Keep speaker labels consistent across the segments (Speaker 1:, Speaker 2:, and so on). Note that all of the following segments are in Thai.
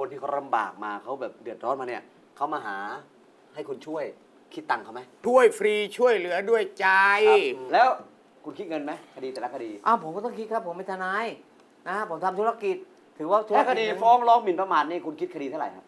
Speaker 1: คนที่เขาลำบากมาเขาแบบเดือดร้อนมาเนี่ยเขามาหาให้คุณช่วยคิดตังค์เขาไหม
Speaker 2: ช่วยฟรีช่วยเหลือด้วยใจ
Speaker 1: ครับแล้วคุณคิดเงินไหมคดีแต่ละคดี
Speaker 3: อ้าวผมก็ต้องคิดครับผมเป็นทนายนะฮะผมทำธุรกิจ ถือว่าธุร
Speaker 1: แค่ค
Speaker 3: กิจ
Speaker 1: ดีฟ้องร้องหมิ่นประมาทนี่คุณคิดคดีเท่าไหร่ครับ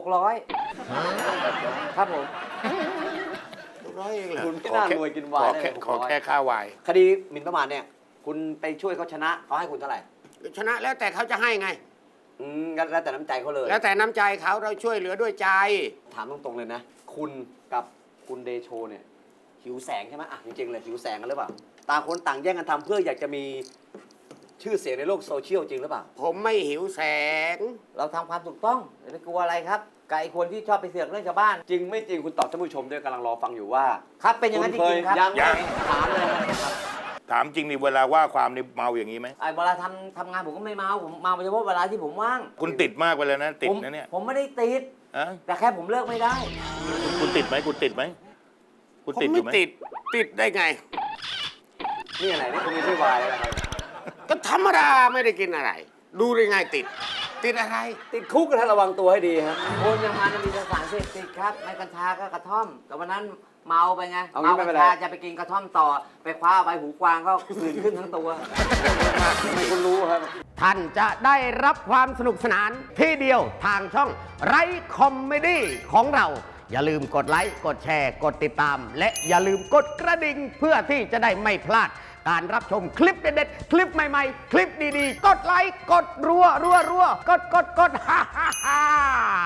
Speaker 3: 600ครับผม
Speaker 2: ร้อยเองเหรอ
Speaker 1: คุณไม่น่ารวยกินวายได้เลย
Speaker 2: ขอแค่ค่าวาย
Speaker 1: คดีหมิ่นประมาทเนี่ยคุณไปช่วยเขาชนะเขาให้คุณเท่าไหร่
Speaker 2: ชนะแล้วแต่เขาจะให้ไง
Speaker 1: งั้นแล้วแต่น้ำใจเขาเลย
Speaker 2: แล้วแต่น้ำใจเขาเราช่วยเหลือด้วยใจ
Speaker 1: ถามตรงๆเลยนะ คุณกับคุณเดโชเนี่ยหิวแสงใช่ไหมอ่ะจริงๆเลยหิวแสงกันหรือเปล่าต่างคนต่างแย่งกันทำเพื่ออยากจะมีชื่อเสียงในโลกโซเชียลจริงหรือเปล่า
Speaker 2: ผมไม่หิวแสง
Speaker 3: เราทำความถูกต้องอย่าไปกลัวอะไรครับกับไอ้คนที่ชอบไปเสือกเรื่องชาวบ้าน
Speaker 1: จริงไม่จริงคุณตอบท่านผู้ชมด้วยกำลังรอฟังอยู่ว่า
Speaker 3: ครับเป็นอย่างนั้นจริงๆครับ
Speaker 1: ยัง
Speaker 4: ยัง
Speaker 1: ถามเลยครับ
Speaker 4: ถามจริงนี่เวลาว่าความนี่เมาอย่างนี้ไหม
Speaker 3: ไอ้เวลาทำงานผมก็ไม่เมาผมเมาเฉพาะเวลาที่ผมว่าง
Speaker 4: คุณติดมากไปแล้วนะติด
Speaker 3: ผม
Speaker 4: นะเนี่ย
Speaker 3: ผมไม่ได้ติด
Speaker 4: อะ
Speaker 3: แต่แค่ผมเลิกไม่ได้
Speaker 4: คุณติดไหมคุณติดไหมคุณ
Speaker 2: ผม
Speaker 4: ติดอ
Speaker 2: ไม่
Speaker 4: ยู่ไหม
Speaker 2: ติดได้ไง
Speaker 1: นี่อะไรนี่คุณไม่ใช่วายแล้วนะครับ
Speaker 2: ก็ธรรมดาไม่ได้กินอะไร ดูได้ไงติดอะไร
Speaker 1: ติดคุกกันท่านระวังตัวให้ดีครับ
Speaker 3: คนยังมามีสารเสพติดครับไม่กัญชาก็กระท่อม แต่วันนั้นเมาไปไง
Speaker 1: เอางี้
Speaker 3: เมา
Speaker 1: ไม่
Speaker 3: กั
Speaker 1: เป็น
Speaker 3: ญ
Speaker 1: ไร
Speaker 3: ชาจะไปกินกระท่อมต่อ ไปคว้าใบหูกวางก็ผื่นขึ้นทั้งตัว
Speaker 1: ทำไมคุณรู้ครับ
Speaker 2: ท่านจะได้รับความสนุกสนานที่เดียวทางช่องไรคอมเมดี้ของเรา อย่าลืมกดไลค์กดแชร์กดติดตาม และอย่าลืมกดกระดิ่งเพื่อที่จะได้ไม่พลาด การรับชมคลิปเด็ดๆ คลิปใหม่ๆ คลิปดีๆ กดไลค์กดรัวกดฮ่า